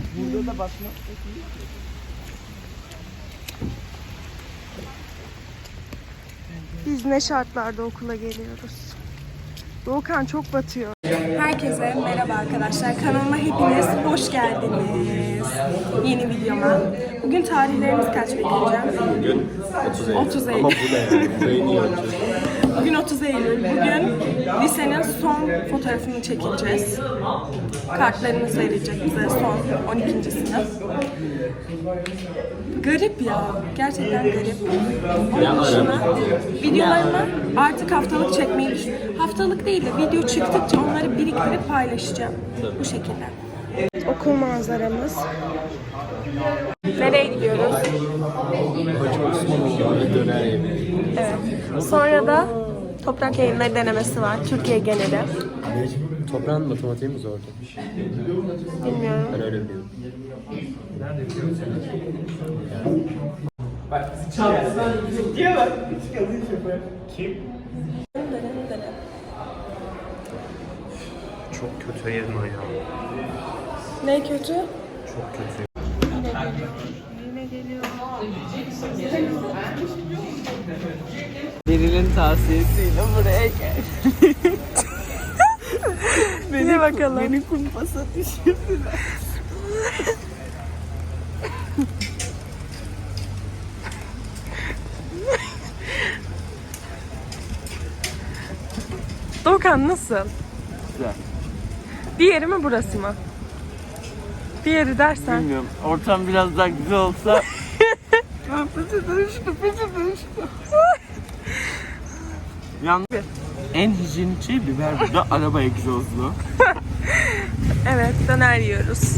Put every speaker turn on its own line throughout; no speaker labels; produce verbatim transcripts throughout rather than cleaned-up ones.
Burada da basmak.
Biz ne şartlarda okula geliyoruz? Doğukan çok batıyor. Herkese merhaba arkadaşlar. Kanalıma hepiniz hoş geldiniz. Yeni videoma. Bugün tarihlerimiz kaç bekleyeceğim?
Bugün otuz Eylül.
otuz Eylül.
Ama bu ne yani? Burayı niye açıyorsun?
Bugün otuz Eylül. Bugün lisenin son fotoğrafını çekeceğiz. Kartlarımız verilecek bize son on ikinci sınıf. Garip ya. Gerçekten garip. Onun dışında videolarımı artık haftalık çekmeyi düşünüyorum. Haftalık değil de video çıktıkça onları biriktirip paylaşacağım. Bu şekilde. Okul manzaramız. Nereye gidiyoruz?
Hacı Osmanoğlu'na döner yemeği.
Evet. Sonra da toprak yayınları denemesi var. Türkiye geneli.
Toprağın matematiği mi zordu?
Bilmiyorum.
Ben öyle biliyorum. Kim? Çok kötü yedim ayağım.
Ne kötü?
Çok kötü.
Yine geliyor.
Beril'in tavsiyesiyle buraya gel.
Beni bakalım.
Beni kumpasa düşürdüler.
Doğukan nasıl?
Güzel.
Diğeri mi burası mı? Diğeri dersen.
Bilmiyorum. Ortam biraz daha güzel olsa. Pıçı dönüştü, pıçı dönüştü. Yalnız en hijyenik şey biber burada, araba egzozlu.
Evet, döner yiyoruz.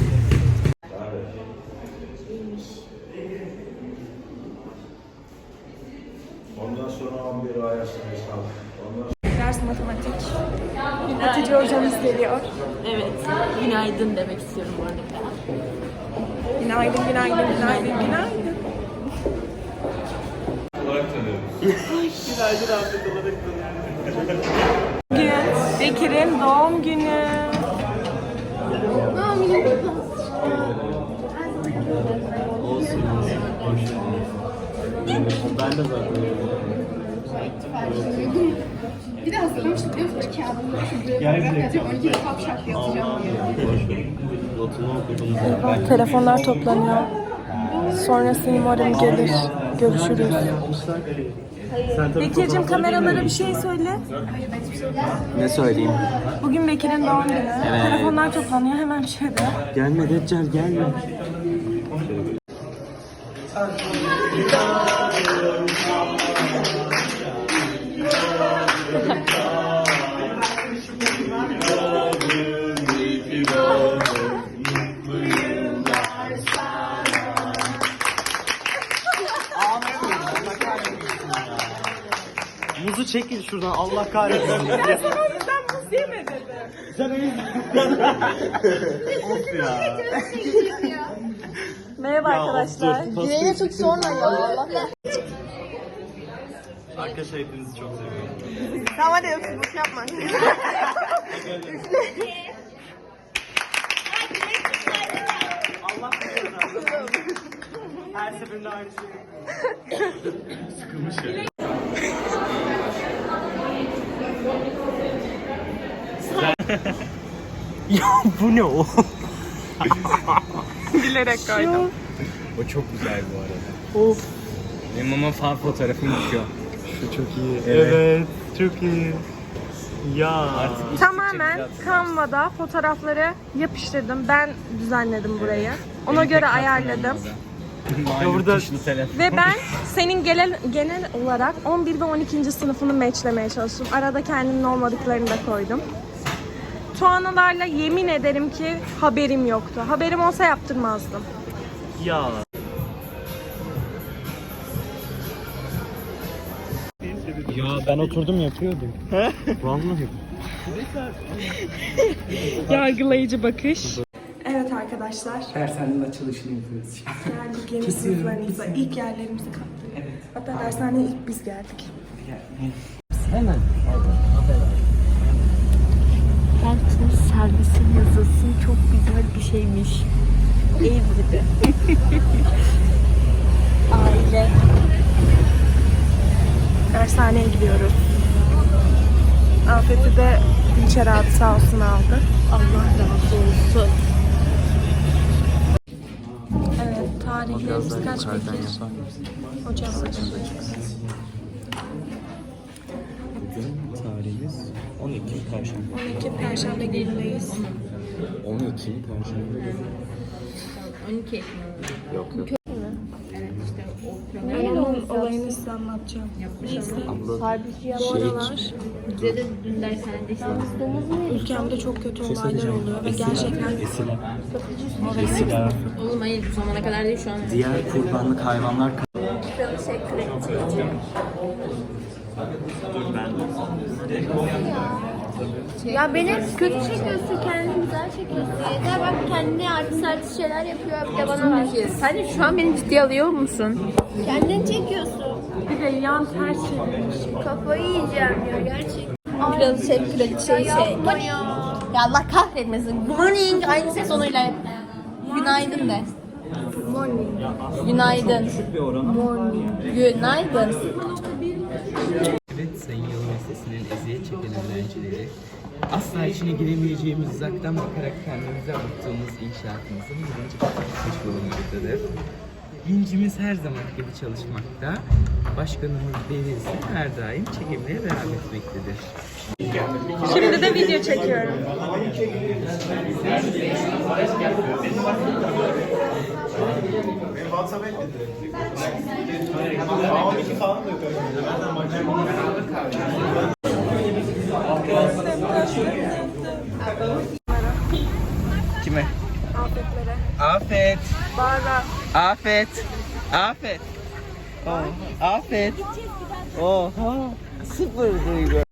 Ondan sonra on bir ay hesap.
Ders matematik. Hatice hocamız geliyor.
Evet, günaydın demek istiyorum bu arada.
Günaydın, günaydın, günaydın, günaydın.
Günaydın Ahmet olarak tanıyorum.
Bugün Bekir'in doğum günü.
Olsun olsun. Boş ver. Ben de zaten
Bir de hazırlamıştık biliyor musun? Kağıdımda şu paragraf yazacağım. on iki defa şarkı yazacağım diye.
boş ver. Notunu okudum zaten.
Telefonlar toplanıyor. Sonrası umarım gelir. Görüşürüz. Bekir'cim kameralara bir şey söyle.
Ne söyleyeyim?
Bugün Bekir'in doğum günü. Telefonlar toplanıyor. Hemen bir şey de.
Gelme Deccal, gelme. Muzu çekil şuradan, Allah kahretsin.
Sen buz yeme dedi.
Sen o Of ya.
Merhaba arkadaşlar.
Dileğine tut sonra ya Allah.
Arkadaşlar hepinizi çok seviyorum.
Tamam hadi öpsüzlük yapma.
Allah her seferinde aynı şey.
Sıkılmış ya.
Ya bu ne o?
Bilerek koydum.
O çok güzel bu arada.
Of.
Benim ama fan fotoğrafım düşüyor. Şu çok iyi.
Evet, çok iyi. Ya.
Artık
Tamamen Canva'da fotoğrafları yapıştırdım. Ben düzenledim burayı. Ona göre ayarladım.
Malum
burada-
tuşlu telefon.
Ve ben senin genel, genel olarak on bir ve on ikinci sınıfını matchlemeye çalıştım. Arada kendimin olmadıklarını da koydum. Tuanalarla yemin ederim ki haberim yoktu. Haberim olsa yaptırmazdım.
Ya.
Ya ben oturdum yapıyordum.
Vallahi.
Yargılayıcı bakış. Evet arkadaşlar.
Dershanenin açılışını yapıyoruz.
Geldik yeni sınıflarımıza. İlk yerlerimizi kaptık. Evet. Hatta dershaneye ilk biz geldik.
Hemen.
Belki servisin yazısı çok güzel bir şeymiş.
Ev gibi. Aile. Dershaneye gidiyoruz. Afet'i de Dinçer abi sağ olsun aldı.
Allah razı olsun.
Evet, tarihlerimiz kaç peki? Hocam.
Bugün tarihimiz on Ekim Perşembe.
on iki Perşembe günündeyiz.
on Ekim Perşembe.
on iki.
Yok yok.
Ben onun olayını size anlatacağım. Neyse.
Abla
Bu aralar
Bize de dün dershanede işte.
ülkemde çok kötü olaylar oluyor ve gerçekten
esila. Esila.
Oğlum hayır bu zamana kadar değil şu an.
Diğer kurbanlık hayvanlar
Ya beni kötü çekiyorsun, kendini güzel çekiyorsun. Yeter bak kendine artist artist şeyler yapıyor, bir de bana var.
Sen şu an beni ciddiye alıyor musun?
Kendini çekiyorsun.
bir de yan ters çevirmiş.
Kafayı yiyeceğim ya gerçekten.
Kraliçe, kraliçe şey.
Yapma ya.
Ya Allah kahretmesin. Good morning. Aynı ses onuyla yap. Günaydın de.
Morning.
Günaydın.
Morning.
Günaydın.
Evet, Sayın Yalova Lisesi'nin eziyet çeken öğrencileri, asla içine giremeyeceğimiz uzaktan bakarak kendimize avuttuğumuz inşaatımızın birinci katı çıkmış bulunmaktadır. Vincimiz her zaman gibi çalışmakta, başkanımız Deniz her daim çekimlere devam etmektedir.
Şimdi de video çekiyorum.
Kime?
Afetlere.
Afet,
Bağırma.
Afet, Afet. Oh, Afet. Oha, sıfır duygu.